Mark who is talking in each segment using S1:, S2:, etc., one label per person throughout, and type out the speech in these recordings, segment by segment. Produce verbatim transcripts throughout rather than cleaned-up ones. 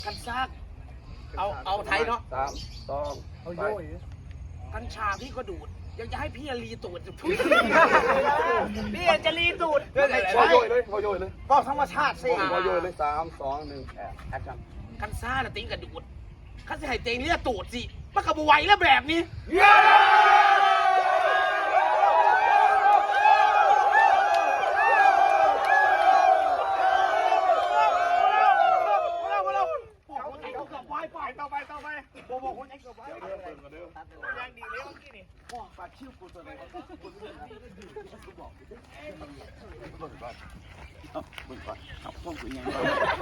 S1: กันซากเอาเอาไทยเนาะ
S2: สามสองเอาโย่
S1: กัญชาพี่ก็ดูดยังจะให้พี่รีตูดพี่จะรีตูด
S2: พอโย่เลยพอโย่เลย
S1: บอกธรรมชาติสิ
S2: พอโย่เลยสามสองหนึ่งแอคชั่น
S1: กันซ่าน่ะติ้งกระดูดข้าจะให้เตงนี่ตูดสิมันก็บไหวแล้วแบบนี้ต่อไปต่อไปโบโบคนเอ็กซ์ต่อไปยังดีเลยเมื่อกี้นี่ว้าปาชิวกูตัวไหนก็คุณบอกมึงก่อนมึงก่อนเอาพวกกูยัง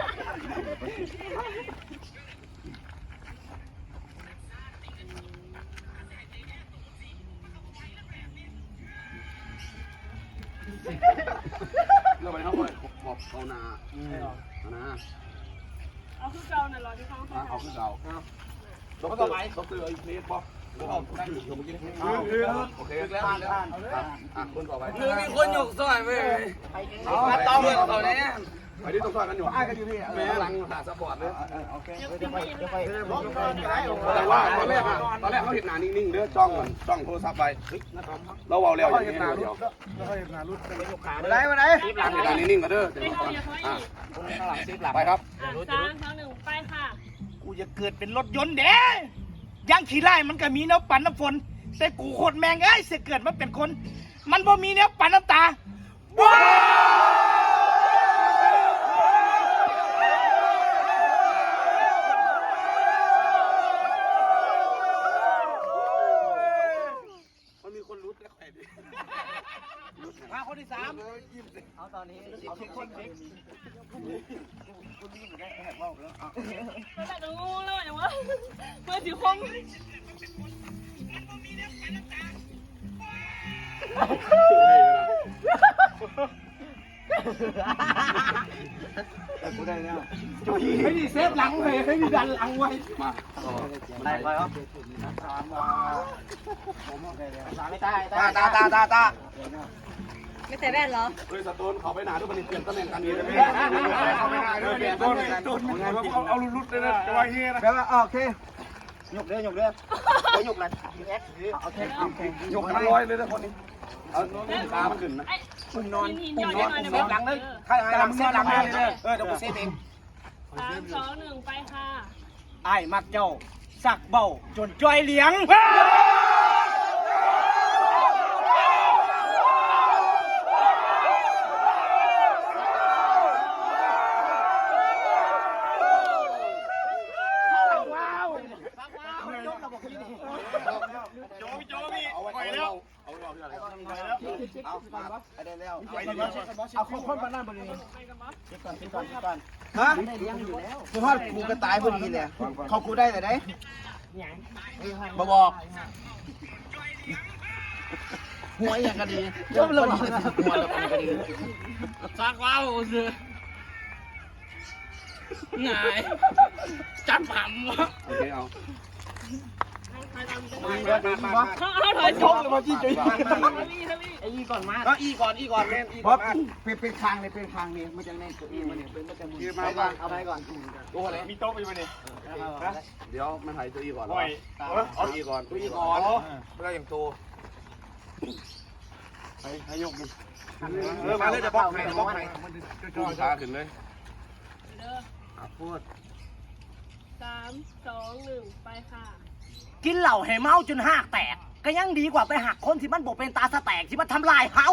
S2: เราไปเข้าไปขอบเอานาเอานา
S3: เอาขึ้นเก่าหน่อยรอที่เขา
S2: เอาขึ้นเก่าดอกเตอร์ดอกเตอร์ไอ้เพลสป่ะโอเคแล้วอ่ะคนต่อไป
S1: คือมีคนหยกซอยไปมาต่อเมืองต่อเนี้ย
S2: ไอ้ที่ต้องซอยกันอยู่อ้กันอยู่พี่แม่หลังหาซัพพอร์ตเลยโอเคเดี๋ยวไปเดี๋ยวไปแต่ว่าตอนแรกอ่ะตอนแรกเขาเห็นหน้านิ่งๆเด้อจ้องจ้องโทรศัพท์ไปเราเอาแล้วอย่างนี้เดียว
S1: มาไหนมาไหน
S2: เห็นหน้านิ่งๆกันเด้ออ่ะไปครับ
S3: สามสองหนึ่งไปค่ะ
S1: กูจะเกิดเป็นรถยนต์เด้ยังขี่ไล่มันก็มีน้ำปั่นน้ำฝนแต่กูโคตรแมงเอ้ยเสียเกิดมันเป็นคน มันบ่มีเนี้ยปั่นน้ำตาว้ามันมีคนรุดแล้วใครดิมาคนที่สามเอาตอนนี้เอาทุกคนดิคุณนี่ได้แอบว่าแล้วเอา
S3: ไม่ได้ดูแล้วอย่างวะเมื่อสิคง
S2: กูได้แล้ว
S1: ให้ดีเซฟหลังเลยให้ดีดันหลังไว้
S2: มา
S1: ได้ไปครับสามมาผมโอเคเลยสามไม่ตายตาตาตาตาตา
S3: ไม่ใส่แว่นเหรอ
S2: เฮ้ยสตูนเขาไปหนาด้วยมันเปลี่ยนตำแหน่งกันนี้เลยเขาไปหนาด้วยเปลี่ยนต้นเอาเอาลุดเลยนะจะว่าเฮียนะ
S1: แปลว่าโอเคหยกเด้อหยกเด้อไปหยกเลยเอ็กซ์โอเคโอเค
S2: หยกกันร้อยเลยนะคนนี้เอาตามันขึ้นนะ
S3: คุณนอน
S1: คุณนอนเซฟหลังเลยใครหลังเซฟหลังเลยเออเดี๋ยวกูเซฟเอง
S3: สามสองหนึ่งไปค่ะ
S1: ไอ้มักเจ้าสักเบาจนจ้อยเหลียงเอาคนคนมาหน้าบริเวณเช็คก่อนเช็คก่อนเช็คก่อนฮะคือว่ากูกระต่ายพอดีเลยเขากูได้แต่ไหนมาบอกหัวอย่างกันดีชอบเลยหัวแบบกันดีซักว้าวสิไงจับผัมวะ
S2: โอเคเอา
S3: เขาเขาถอยชกเลยมาจี้จุ๊ย
S1: ไอ้อีก่อนมาก็อีก่อนอีก่อนเล่นอีก่อนเป็นเป็นคางเลยเป็นคางนี่มันจะเล่นตัวอีมันเนี่ยเป็นมันจะมุนไปก่อนเอาไปก่อนโอ้โหมีโต๊ะไปไหมเนี่ย
S2: เดี๋ยวมันถ่ายตัวอีก่อน
S1: เอาอีก่อนตัวอีก่อนไม่ได้อย่างตัว
S2: ไปให้ยกมัน
S1: เออมาเลยจะบล็อกให้บล็อกให้
S2: จูงขาขึ้นเลย
S3: พูดสามสองหนึ่งไปค่ะ
S1: กินเหล่าให้เมาจนหักแตกก็ยังดีกว่าไปหักคนที่มันบอกเป็นตาสแตกที่มันทำลายเฮา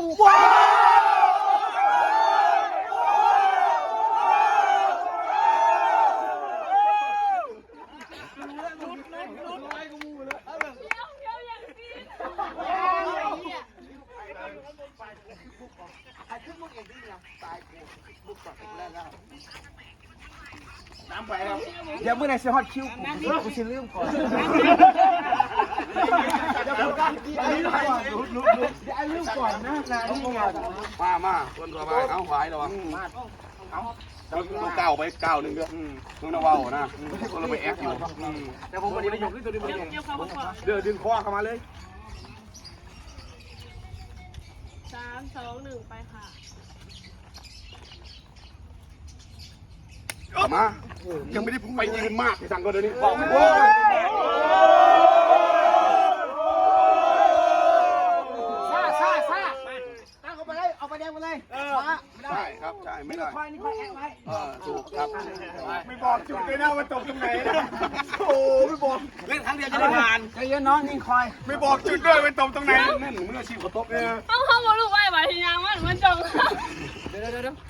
S1: น้ำไปแล้วเดี๋ยวเมื่อไหร่จะฮอตคิวกูกูจะลืมก่อนเดี๋ยวก่อนไอ้ลืมก่อนไอ้ลืมก่อนนะนะนี่ก่อน
S2: มามาคนตัวไปเอาหวายระวังเอาต้องก้าวไปก้าวหนึ่งเด้อต้องระวังนะคนเราไปแอคอยู่แต่ผมไม่ได้ยกขึ้นตัวนี้ไม่ได้ยกเดี๋ยวดึงคอเข้ามาเลย
S3: สามสองหนึ่งไปค่ะ
S2: มายังไม่ได้ไปยืนมากที่สั่งก็เดี๋ยวนี้บอกโอ้ย
S1: ซ่าซ่าซ่าตั้งเอาไปเลยเอาไปแดงไปเลยไม่ได้
S2: ใช่ครับใช่ไม่ได้
S1: คอยนี่คอยแอบไว้
S2: เออถูกครับ
S1: ไม่บอกจุดเลยนะว่าตกตรงไหนนะโอ้ไม่บอกเล่นครั้งเดียวจะได้ผ่านใจเย็นน้องนิ่งคอยไม่บอกจุดด้วยว่าตกตรงไหน
S2: แม่นมืออาชีพเขาตบเลย
S3: เอาเขาบอกลูกไว้ไว้ทียังมันมันจง
S1: เดี๋ยวเดี๋ยวเดี๋ยว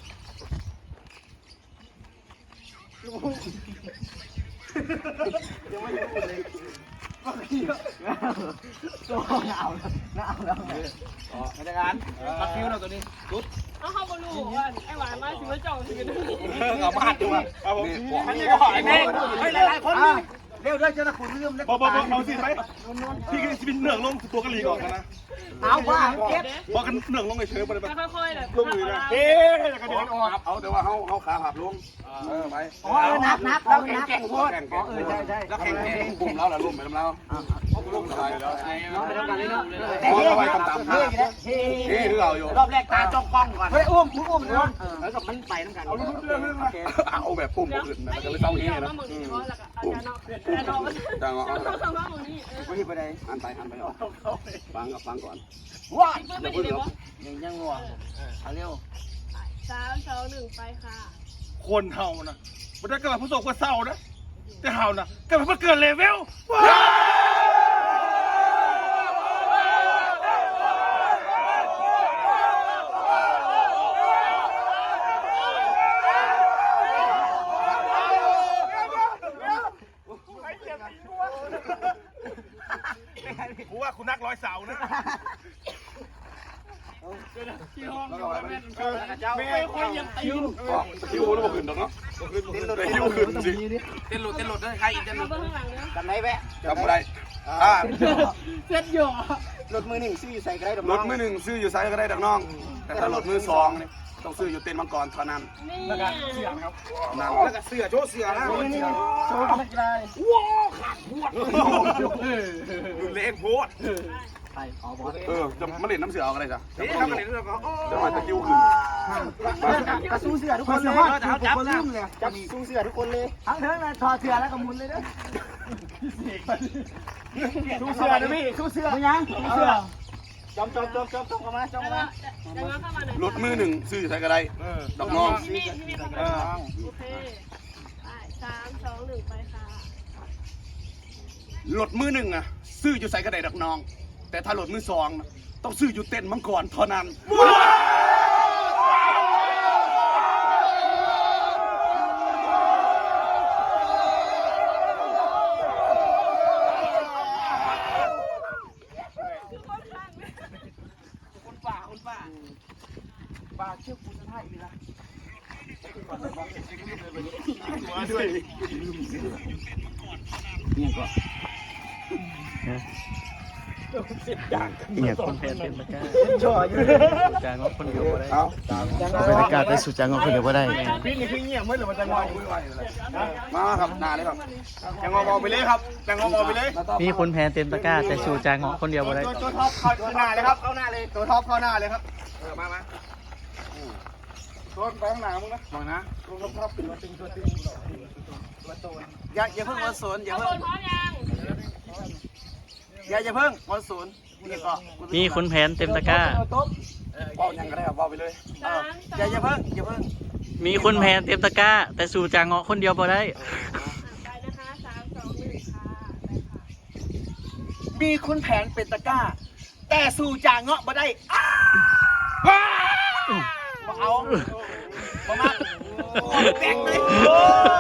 S1: ยังไม่รู้เลยก็ขี้ตัวหนาวหนาวแล้วไงอ๋อไม่ได้การตัดฟิวเราตัวนี้ตุ๊ด
S3: เอาเขาบอกลูกว่าไอ้หวานมาถึงมันจงถึงกัน
S1: เอามาหัดดูอ่ะ
S2: นี่บอก
S1: อันนี้ก็หอยแม่ให้หลายๆคนเร็วด้วยเจ้าหน้าที่เริ่มเล็ก
S4: บอกบอกบอกเอาสิไหมพี่ก็จะเป็นเหนืองลงตัวกะหรี่ก่อนนะ
S1: เอาว่าเก็บ
S4: บอกกันเหนืองลงเฉยๆไปเลย
S3: แล้วค่อยๆแบบ
S4: ลงมือนะเอ๊ะกระเด็นออก
S2: เอาแต่ว่าเขาเขาขาหักลงเออไป
S1: อ๋อนับนับเรานับโคตรอ๋อเออใช่ใช่
S2: แล้วแข่งแข่งกลุ่มเราล่ะลุ่มไปทำเราลุ่มอะไรแล้ว
S1: น้องไปทำกันเลยเนาะ
S2: มองเอาไว้ต่ำๆ
S1: เฮ้ย
S2: เฮ้หรือเราอยู่
S1: รอบแรกตาจ้องกล้องก่อนเฮ้ยอุ้มอุ้มเนาะแล้วก็มันไปน้ำกัน
S2: เอาเรื่องเรื่องเอาแบบปุ่มอื่นนะก็เลยต้องนี้นะ
S3: มึงเพราะแล้วก็อาจารย์เนาะอาจารย์เนาะ
S2: จังหวะ
S3: ต้องทำว่ามึงนี่เออ
S1: วันนี้ไปไหน
S2: อันไปอันไปออกฟังกับฟังก่อน
S1: ว้า
S3: เพื่อนไปดีเลยวะ
S1: ยังยังงัวเอาเร็ว
S3: สามสองหนึ่งไปค่ะ
S4: คนเฮานะมันได้กระผู้ส่งกว่าเศร้านะแต่เฮานะกระผู้เกินเลเวล กูว่าคุณนักร้อยเสานะ
S1: ไม่ค่อยยังติว
S2: คิวแล้วบอกขึ้นดอกเนาะคิวขึ้นสิ
S1: เต้นหลุดเต้นหลุดด้วยใครอีกเต้นหลุ
S3: มา
S1: ด
S3: เบื้องหลังเนาะ
S1: กันไหนแวะ
S2: จำอะไรอ่า
S1: เซ็ตอยู่รถมือหนึ่งซื้อใส่กระไรดอก
S2: รถมือหนึ่งซื้ออยู่ไซส์ก็ได้ดอกน้อง แต่ถ้ารถมือสองนี่ต้องซื้ออยู่เต็นท์มังกรเท่านั้น
S3: นี่
S2: นั่น
S1: แล้วก็เสือโชว์เสือนะโชว์กันได้ว้าวขาดหัวดูเล็กโพดไปอ๋อบอส
S2: เออจะมาเล่นน้ำเสือเอาอะไรจ้ะ
S1: นี่ทำกันเรื่องก็
S2: จะมาตะกิ้วขึ้น
S1: กระสู้เสือทุกคนเลยจับจับเลยจับสู้เสือทุกคนเลยทั้งเทิงเลยถอดเสือแล้วก็มุนเลยเด้อสู้เสือนะพี่สู้เสือไม่ยังสู้เสือจอมจอมจอมจอมจอมเข้ามาจอม
S3: แล้ว
S1: เข้า
S3: ก็
S1: มา
S3: จะมาเข้ามาหน่อย
S2: รถมือหนึ่งซื้ออยู่ไซส์ก็ได้ดอกน้อง
S3: ที่นี่ที่นี่เข้ามาโอเคไปสามสองหนึ่งไปค่ะ
S2: รถมือหนึ่งอะซื้ออยู่ไซส์ก็ได้ดอกน้อง แต่ถ้ารถมือสองนะต้องซื้ออยู่เต็นท์มังกรเท่านั้น
S1: คนป่าคนป่าป่าเชื่อคุณท่าอีกนะ
S4: มาด้วย
S1: เนี่ยก็
S5: เนี่ยคนแพ้เป็นประกาศ
S1: จ่ออยู่
S5: จางก็คนเดียวก็ได้
S2: เอา
S5: เป็นประกาศได้สู่จางก็คนเดียวก็ได้
S4: พี่นี่คือเงียบไม่หรือมันจะงอ
S2: มาครับหนาเลยครับ
S4: จะงอไปเลยครับจะงอไปเลย
S5: มีคนแพ้เต็มตะกร้าแต่สู่จางคนเดียวก็ได้
S4: ตัวตัวท็อปเข้าหน้าเลยครับ
S1: เข้าหน้าเลย
S4: ตัวท็อปเข้าหน้าเลยครับ
S1: เออมามา
S4: ตัวไปข้างหน้ามึงนะ
S1: มองนะ
S4: ตัวท็อปตัวตึงตัวตึง
S1: อย่าอย่าเพิ่งวันศูนย์อย่า
S3: เอา
S1: เพิ่
S3: ค
S1: ง
S3: นพร้อมยัง
S1: อย่าอย่าเพิ่งวันศูนย์นี่ก็
S5: มีคนแพ้เต็มตะกร้า
S2: เบายังก็ได้ครับเบาไปเลย
S3: สามส
S1: อย่า
S3: อง
S1: อย่าเพิ่งอย่าเพิ่ง
S5: มีคนแพ้เต็มตะกร้า แต่สู่จางคนเดียวก็ได้
S3: ไปนะคะสามสองหนึ่งค่ะไปค่ะ
S1: มีคุณแผนเป็นตะกร้า แต่สู่จางเงาะมาได้มาเอามามาแตกเลย